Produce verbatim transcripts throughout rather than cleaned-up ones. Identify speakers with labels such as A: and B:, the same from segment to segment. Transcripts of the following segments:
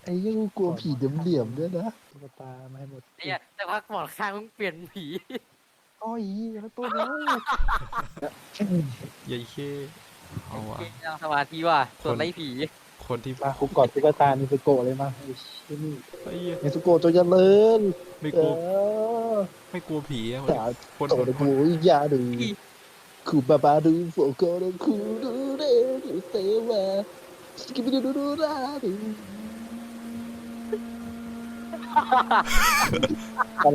A: ไอ้ยังกลัวผีเหลี่ยมๆด้วยนะตุ๊กตามาให้หมด
B: เนี่ยแต่พักหมอนข้างมึงเปลี่ยนผี
A: อ้อยแล้วตัวนี้
C: ยัยเข้เอาวะ
B: เกมนั่งสมาธิว่ะส่วนไล่ผี
C: คนที่
A: มาคุกกอดตุ๊กตานิสโกะเลยมาไอ้ชิ้น
C: ไอ้เหี้ย
A: นิสโกะจงเจริญ
C: ไม่
A: เอก
C: ลัว
A: อ
C: ไม่กลัวผีอะ
A: สาว
C: คน
A: โต
C: คน
A: 的
C: คน
A: 不一样的คูบาบาดูโฟกัสคูดูเรดูเซวาสกิบดูดูดูราดูอะไร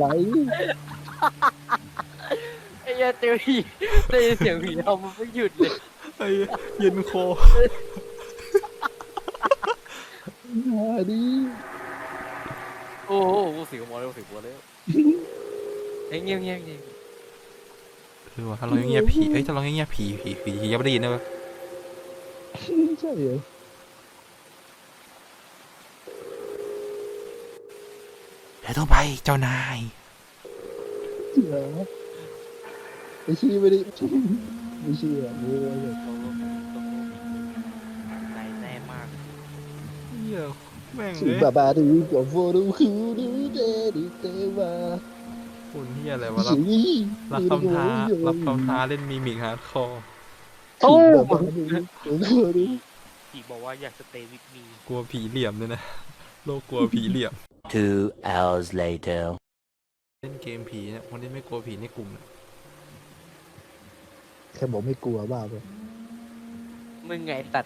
B: ไอ้เหี้ยเจอผีได้ยินเสียงผีทำมันไม่หยุดเลย
C: ไอ้เหี้ยเย็นคอ
A: มาดิ
B: โอ้โหกูเสียงหมอเลยกูเสียงหัวเลยเฮ้ยเงียบเงียบเงียบ
C: คือว่าถ้าเราเงียบผีเอ้ยถ้าเราเงียบผีผีผียังไม่ได้ยินนะเว้ย
A: ใช่เหรอ
C: เดี๋ยวต้องไปเจ้านาย
A: เหรอไอ้ชี้ไม่ได้ไม่เชื่อโว้ย
B: ใจแน่มาก
C: เหี้ยแม่ง
A: คู
C: เลย
A: บาบาดูโฟดูคูดูเรดูเซวา
C: คนเหี้ยอะไรวะรับรับคำท้ารับคำท้าเล่นมีมิกฮาร์ดคอร์
A: คูบาบาดูคูดู
B: ผีบอกว่าอยากสเตย์วิดมี
C: กลัวผีเหลี่ยมด้วยนะโลกกลัวผีเหลี่ยม
D: Two hours later.
C: เล่นเกมผีเนี่ยคนที่ไม่กลัวผีในกลุ่มเนี่ย
A: แค่บอกไม่กลัวบ้าไป
B: มึงไงตัด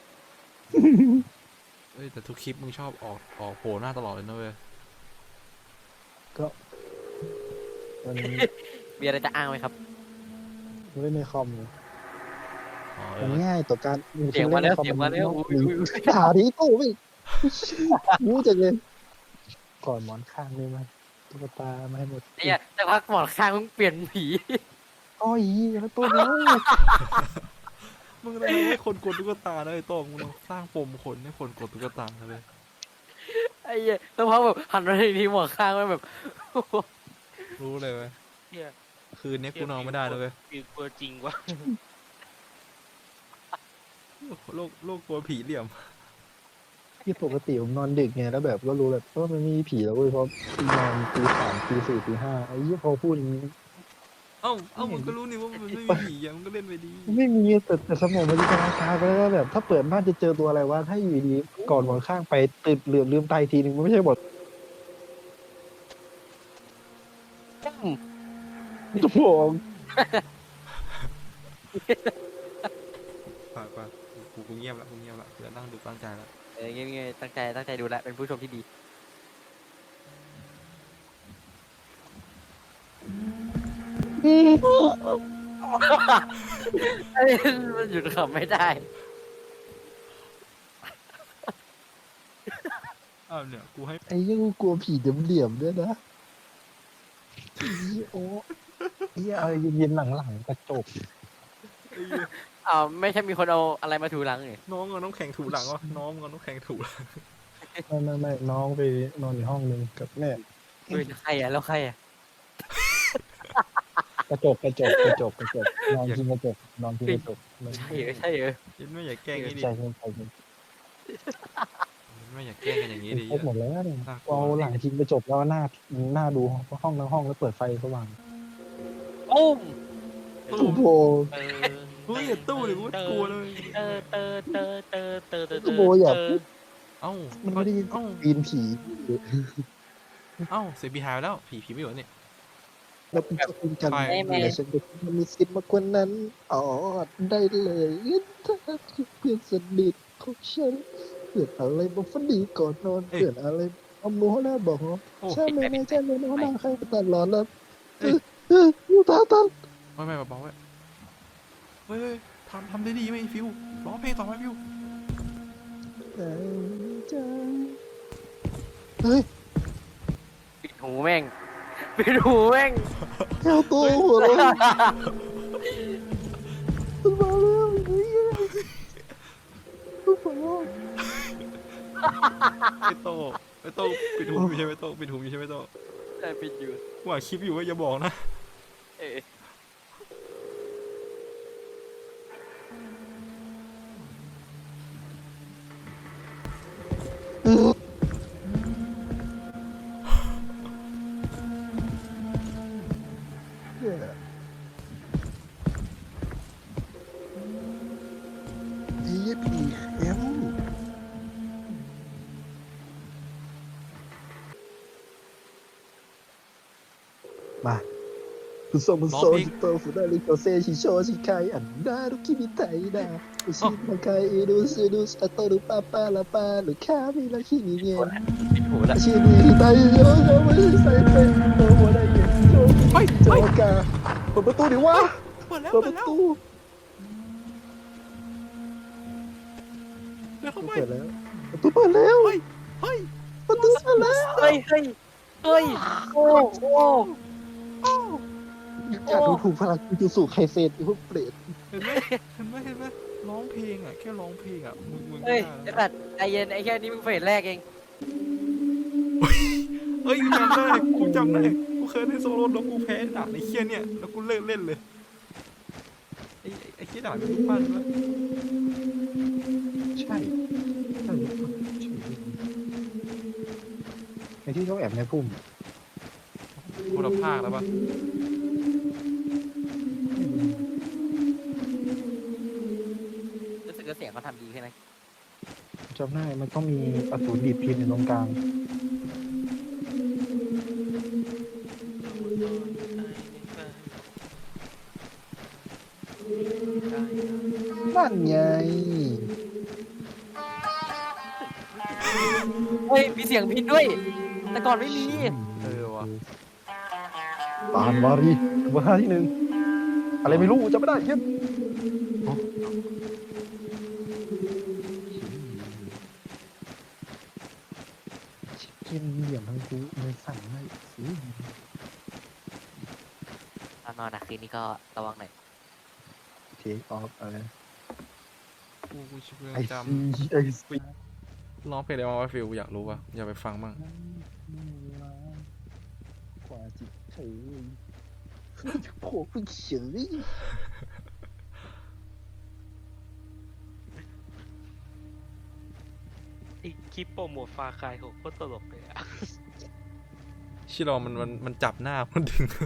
C: เอ้ยแต่ทุกคลิปมึงชอบออกออกโผล่หน้าตลอดเลยนะเว้ย
A: ก็มัน
B: มีอะไรจะอ้างไหมครับ
A: เล่นในคอมเลย
C: อ๋อเอ
A: มัน
C: อ
A: ง่ายต่อการ
B: เสียงมาแล้วเสียงมาแล้วอุ้ยอุ้ยอุ้ย
A: ด่าดิโต้ไม่รู้จังเลยก่อนหมอนข้างเลยมั้ยตุ๊กตามาให้หมด
B: เนี่ยแต่พักหมอนข้างมึงเปลี่ยนผี
A: อ้อยแล้วตัวนี้
C: มึงต้องให้คนกดตุ๊กตานะไอ้โต้งมึงต้องสร้างปมคนให้คนกดตุ๊กตาเลย
B: ไอ้เหี้ยแต่พักแบบหันมาทีหมอนข้างมันแบบ
C: รู้เลยเว้ย
B: เนี่ย
C: คืนนี้กูนอนไม่ได้เลยเว้ย
B: ผีกลัวจริงวะ
C: โลกโลกกลัวผีเหลี่ยม
A: ที่ปกติผมนอนดึกไงแล้วแบบก็รู้แบบว่ามันมีผีแล้วเว้ยเพราะนอนตีสามตีสี่ตีห้าไอ้ยี่พอพูดอย่างนี้
C: เอ้าเอ้ามึงก็รู้นี่ว่ามันไม่มีผีอ่ะมึงก็เล่นไปดี
A: ไม่มีแต่แต่สมองมันจินตนาการไปแล้วว่าแบบถ้าเปิดบ้านจะเจอตัวอะไรวะถ้าอยู่ดีก่อนหมอนข้างไปตื่นเหลือลืมตายทีนึงมันไม่ใช่บทตัวผม
C: ป่ะป่ะกูกูเงียบละกูเงียบละเดี๋ยวนั่งดูตั้งใจละ
B: เออเงี้ยๆตั้งใจตั้งใจดูแลเป็นผู้ชมที่ดีไอ้มันหยุดขำไม่ได้
C: อ้าวเนี่ยกูให้
A: ไอ้ยังกลัวผีเหลี่ยมๆด้วยนะโอ้ยเอาเย็นๆหลังๆกระจก
C: ไอ้เหี้ย
B: อ้าวไม่ใช่มีคนเอาอะไรมาถูหลังนี่
C: น้องเอาน้ำแข็งถูหลังวะน้องเอาน้ำแข็งถูหลัง
A: ไม่ไม่ไม่น้องไปนอนอยู่ห้องนึงกับแม่
B: เฮ้ยใครอ่ะแล้วใครอ่ะ
A: กระจกกระจกกระจกกระจกนอนพิงกระจกนอนพิงกระจก
B: ใช่เหรอใช่เหรอ
C: ยันไม่อยากแกล้งนี่ดิ
A: ใจเย็นใจเย็น
C: ยันไม่อยากแกล้งกันอย่างนี้ดิ
A: ครบหมดแล้วเนี่ย
C: น่ากลัว
A: เอาหลังพิงกระจกแล้วหน้าหน้าดูห้องทั้งห้องแล้วเปิดไฟสว่าง
B: อุ้ม
A: โอ้โห
B: เออ
C: เฮ้ยอย่าตู้เลยกูกลัวเลย
B: เตอเตอเตอเตอเตอเตอ
A: ก็โบอยาก
C: เอ้า
A: มันไม่ได้ยิน
C: เอ้า
A: ปีนผี
C: เอ้าเสียผีหายไปแล้วผีผีไม่อยู่แล้วนี่
A: แล้วเป็นเจ้าคุณกัน
C: ไป
A: แต่ฉันก็มีสิทธิ์มากกว่านั้นอ๋อได้เลยถ้าคือเพื่อนสนิทของฉันเพื่อนอะไรบอกฝันดีก่อนนอนเพื่อนอะไรเอามือหัวหน้าบอก
C: โอ้
A: ใช่ไหมไม่ใช่ไหมหัวหน้าใครตลอดแล้วเออเอออยู่ตาตัน
C: ไม่ไม่เบาๆไว้เฮ้ยเฮ้ยทำทำได้ดีไหมฟิวร้องเพลงต่อไหมฟิว
A: ใจเฮ้ย
B: ปิดหูแม่งปิดหูแม่ง
A: แก้วโตหัวเราะมันมาแล้วเฮ้ยหัวเราะ
C: ไอ้โตไอ้โตปิดหูอยู่ใช่ไหมโตปิดหูอยู่ใช่ไหมโต
B: ใช่ปิดอยู่
C: กูอ่านคลิปอยู่ว่าอย่าบอกนะ
B: เออ
A: เออมาคุณโซมุโซชิโตฟุดาริโกเซชิโชชิไคอันดารุคิมิไทดาอุชิมาไคอิรุซิรุสอัตโตรุปาปาลาปาหรือคามิลาคินิเนียน
B: ปิดหูละ
A: ชิมิฮิไตโยโยไม่ใส่เป็นโตโมไดเกะโยกิโจกาเปิดประตูดิวะ
C: เปิดแล้ว
A: เปิด
C: เปิ
A: ป
C: ด
A: ระ
C: แล้ว
A: ตู
C: เดี๋ยวเข้าไป
A: เปิดแล้วประตูเปิดแล้ว
C: เฮ้ยเฮ้ย
A: ประตูเปิดแล้ว
B: เฮ้ยเฮ้ยเฮ้ยโอ้โอ้
A: อยากดูถูกพลังจูสูไคเซนพวกเปรต
C: เห็นไหมเห็นไหมเห็นไหมร้องเพลงอ่ะแค่ร้องเพลงอ่ะมึงมึง
B: เฮ้ย
C: ไม่
B: ไอ้
C: ได้
B: สัตว์ใจเย็นไอ้แค่นี้มึงเฟสแรกเอง
C: เฮ้ยกูจำได้กูจำได้กูเคยเล่นโซโล่แล้วกูแพ้ด่านไอ้เคี้ยเนี่ยแล้วกูเลิกเล่นเลยไอ้ไอ้ไอ้เคี้ยด่านเป็นรูปปั้นด้วย
A: ใช่ใช่ในที่เขาแอบในพุ่ม
C: คนละภาคแล้วปะ
B: รู้สึกว่าเสียงเขาทำดีใช่ไหม
A: จำได้มันต้องมีอสูรดีดพินอยู่ตรงกลางนั่นไง
B: เฮ้ยมีเสียงพินด้วย แต่ก่อนไม่มี
C: เออวะ
A: ปานวารีเบอร์ห้าที่หนึ่งอะไรไม่รู้จำไม่ได้เย็นเย็นเหลี่ยมทั้งคู่เลยสั่งให้สิ
B: ตอนนอนนะคืนนี้ก็ระวังหน่อย
A: เทคออฟอะไร
C: กูกูชิบ
A: ไอ
C: จ
A: ซีไอซี
C: ำร้องเพลงอะไรมาฟิลอยากรู้ป่ะอยากไปฟังบ้าง
A: กว่าจิตเฉยโผล่ไปเฉย
E: ไอ้คลิปโปรโมทฟาคายของโคตรตลกเลยอะ
C: ชิรอมันมันมันจับหน้ามันดึง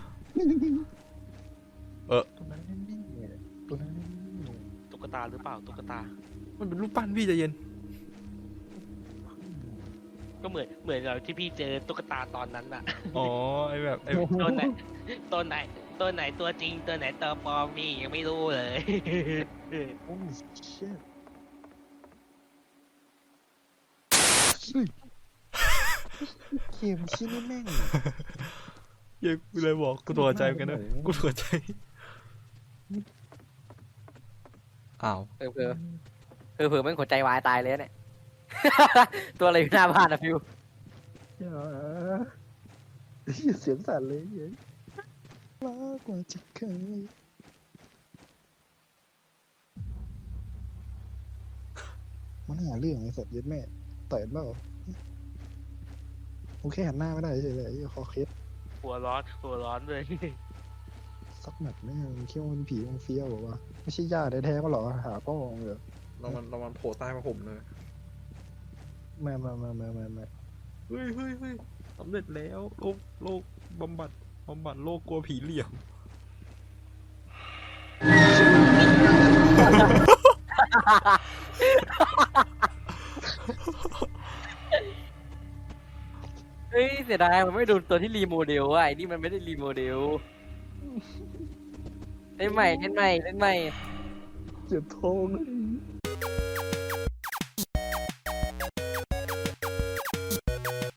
C: เออ
A: ตัวนั้นนี่ตัวนั้นนี่
E: ตุ๊กตาหรือเปล่าตุ๊กตา
C: มันเป็นรูปปั้นพี่ใจเย็น
E: ก็เหมือนเหมือนเราที่พี่เจอตุ๊กตาตอนนั้นอะ
C: อ๋อไอแบบไอ
E: ตัวไหนตัวไหนตัวไหนตัวจริงตัวไหนตัวปลอมนี่ยังไม่รู้เลย
A: โอ้ยเชี่ยเกมชิ้นนี้แม่ง
C: เหี้ยังกูเลยบอกกูตัวใจเหมือนกันนะกูตัวใจอ้าว
B: เออเผื่อเออเผื่อแม่งหัวใจวายตายเลยเนี่ย ตัวอะไรอยู่หน้าบ้านอะฟิว
A: อย่าเสียงสั่นเลยเย้มากกว่าจะเคยมันหาเรื่องไอ้สัตว์เย็ดแม่ต่อยกันเปล่าโอเคหันหน้าไม่ได้เฉยเลยไอ้คอเคส
E: หัวร้อนหัวร้อนเลย
A: สักหนัดแม่งคิดว่ามันผีมันเฟี้ยวบอกว่าไม่ใช่ญาติแท้ๆก็หรอหาพ่อเหรอ
C: เรามันเรามันโผล่ใต้มาผมเลย
A: มามามามามามา
C: เฮ้ยเฮ้ยเฮ้ยสำเร็จแล้วโรคโรคบำบัดบำบัดโรคกลัวผีเหลี่ยม
B: เฮ้ยเสียดายมันไม่ดูตัวที่รีโมเดลว่ะไอ้นี่มันไม่ได้รีโมเดลเล่นใหม่เล่นใหม่เล่นใหม่
A: เจ็บท้องเลย